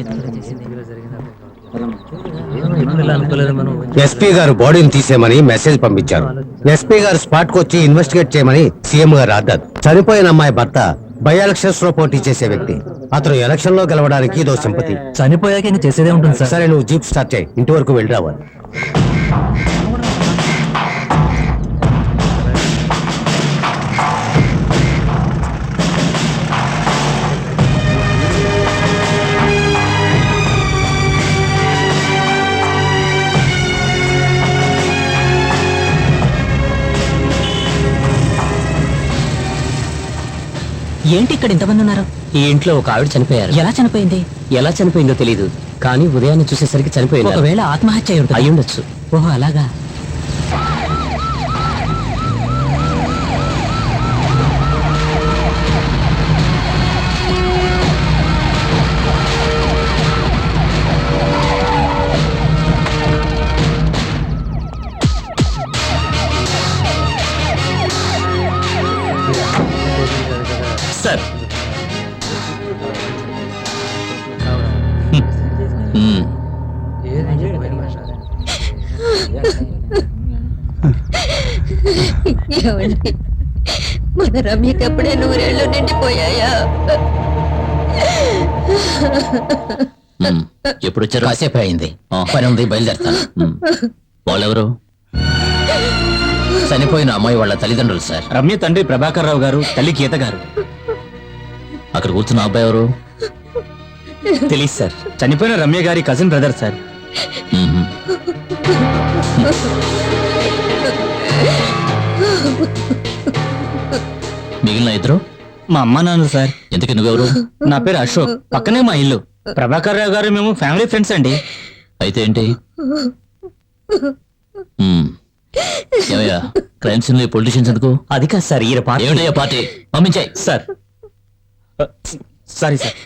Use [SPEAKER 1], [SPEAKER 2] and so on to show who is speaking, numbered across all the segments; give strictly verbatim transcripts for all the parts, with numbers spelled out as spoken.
[SPEAKER 1] SP గారు బాడీని తీసేయమని మెసేజ్ పంపించారు. ఎస్పీ గారు స్పాట్ కు వచ్చి ఇన్వెస్టిగేట్ చేయమని సీఎం గారు ఆర్డర్. చనిపోయిన అమ్మాయి భర్త బై ఎలక్షన్స్ లో పోటీ చేసే వ్యక్తి. అతను ఎలక్షన్ లో గెలవడానికి ఇదో సింపతి.
[SPEAKER 2] చనిపోయాక ఇంక చేసేదే ఉంటుంది సార్.
[SPEAKER 1] సరే నువ్వు జీప్ స్టార్ట్ చేయి, ఇంటి వరకు వెళ్ళి రావాలి.
[SPEAKER 3] ఏంటి ఇక్కడ ఇంతమంది ఉన్నారు?
[SPEAKER 2] ఈ ఇంట్లో ఒక ఆవిడ చనిపోయారు.
[SPEAKER 3] ఎలా చనిపోయింది?
[SPEAKER 2] ఎలా చనిపోయిందో తెలియదు, కానీ ఉదయాన్నే చూసేసరికి చనిపోయింది.
[SPEAKER 3] ఒకవేళ ఆత్మహత్య అయి ఉంటుంది.
[SPEAKER 2] అయి ఉండొచ్చు.
[SPEAKER 3] ఓహో అలాగా.
[SPEAKER 2] సార్
[SPEAKER 4] మన రమ్యకి అప్పుడే నూరేళ్లు నిండిపోయాయా?
[SPEAKER 2] ఎప్పుడు వచ్చారు?
[SPEAKER 3] కాసేపు అయింది, పని ఉంది, బయలుదేరుతాను.
[SPEAKER 2] వాళ్ళెవరు?
[SPEAKER 3] చనిపోయిన అమ్మాయి వాళ్ళ తల్లిదండ్రులు సార్.
[SPEAKER 2] రమ్య తండ్రి ప్రభాకర్ రావు గారు, తల్లి గీత గారు. అక్కడ కూర్చున్న అబ్బాయి ఎవరు? తెలియదు సార్. చనిపోయిన రమ్య గారి కజిన్ బ్రదర్ సార్.
[SPEAKER 3] మిగిలిన ఇద్దరు
[SPEAKER 2] మా అమ్మ నాన్న సార్.
[SPEAKER 3] ఎందుకు నువ్వెవరు?
[SPEAKER 2] నా పేరు అశోక్, పక్కనే మా ఇల్లు. ప్రభాకర్ రావు గారు మేము ఫ్యామిలీ ఫ్రెండ్స్ అండి.
[SPEAKER 3] అయితే ఏంటి? ఏమయ్యా, క్రైమ్ సీన్ లో పొలిటీషియన్స్ ఎందుకు?
[SPEAKER 2] అది కాదు సార్, ఈయన పార్టీ.
[SPEAKER 3] ఏమిటయ్యా పార్టీ? పంపించాయి
[SPEAKER 2] సార్. Sorry sir.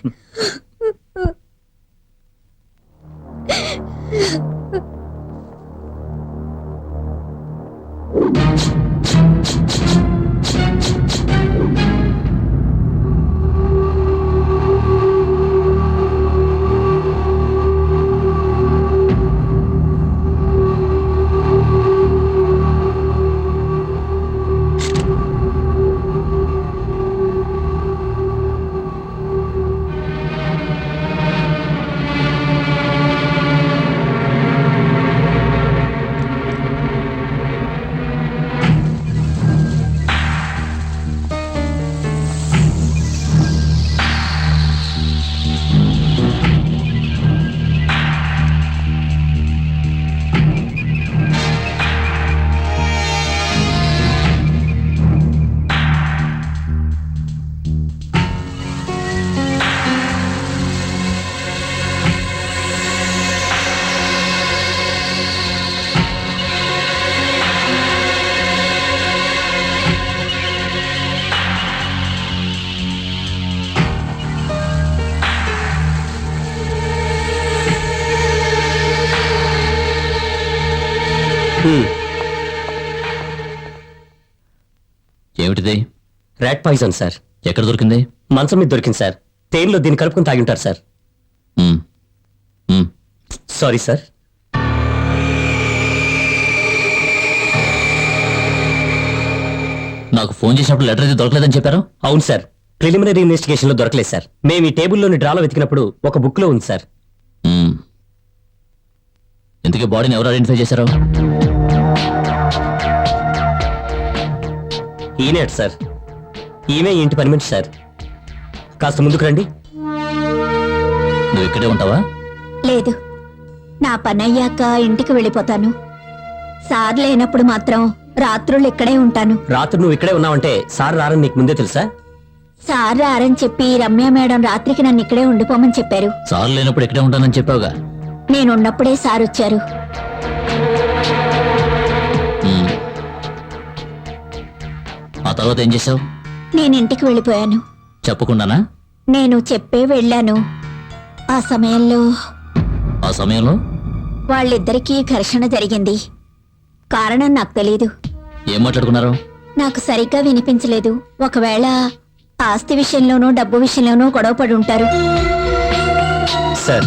[SPEAKER 3] ఏమిటిది?
[SPEAKER 2] Rat poison sir.
[SPEAKER 3] ఎక్కడ దొరికింది?
[SPEAKER 2] మంచం మీద దొరికింది సార్. తేనెలో దీన్ని కలుపుకుని తాగి ఉంటారు సార్.
[SPEAKER 3] మ్మ్. మ్మ్.
[SPEAKER 2] Sorry sir.
[SPEAKER 3] నాకు ఫోన్ చేసినప్పుడు లెటర్ అయితే దొరకలేదని చెప్పారు.
[SPEAKER 2] అవును సార్, ప్రిలిమినరీ ఇన్వెస్టిగేషన్ లో దొరకలేదు సార్. మేము ఈ టేబుల్లోని డ్రాలో వెతికినప్పుడు ఒక బుక్ లో ఉంది సార్.
[SPEAKER 3] మ్మ్. ఇంతకీ బాడీని ఎవరు ఐడెంటిఫై చేశారు?
[SPEAKER 2] ఈయనే సార్. ఈమె ఇంటి పని మనిషి సార్. కాస్త ముందుకు రండి.
[SPEAKER 3] నువ్వు ఇక్కడే ఉంటావా?
[SPEAKER 4] లేదు, నా పని అయ్యాక ఇంటికి వెళ్ళిపోతాను. సార్ లేనప్పుడు మాత్రం రాత్రులు ఇక్కడే ఉంటాను.
[SPEAKER 2] రాత్రి నువ్వు ఇక్కడే ఉన్నావంటే సార్ రారని నీకు ముందే తెలుసా?
[SPEAKER 4] సార్ రారని చెప్పి రమ్య మేడం రాత్రికి నన్ను ఇక్కడే ఉండిపోమని చెప్పారు.
[SPEAKER 3] సార్ లేనప్పుడు ఇక్కడే ఉంటానని చెప్పావుగా.
[SPEAKER 4] నేనున్నప్పుడే సార్ వచ్చారు.
[SPEAKER 3] మ్మ్. ఆ తర్వాత ఏం చేసావు?
[SPEAKER 4] నేను ఇంటికి వెళ్ళిపోయాను.
[SPEAKER 3] చెప్పకుండానా?
[SPEAKER 4] నేను చెప్పే వెళ్ళాను. ఆ సమయంలో
[SPEAKER 3] ఆ సమయంలో
[SPEAKER 4] వాళ్ళిద్దరికీ ఘర్షణ జరిగింది. కారణం నాకు తెలీదు.
[SPEAKER 3] ఏం మాట్లాడుకున్నారు?
[SPEAKER 4] నాకు సరిగ్గా వినిపించలేదు. ఒకవేళ ఆస్తి విషయంలోనూ డబ్బు విషయంలోనూ గొడవపడి ఉంటారు.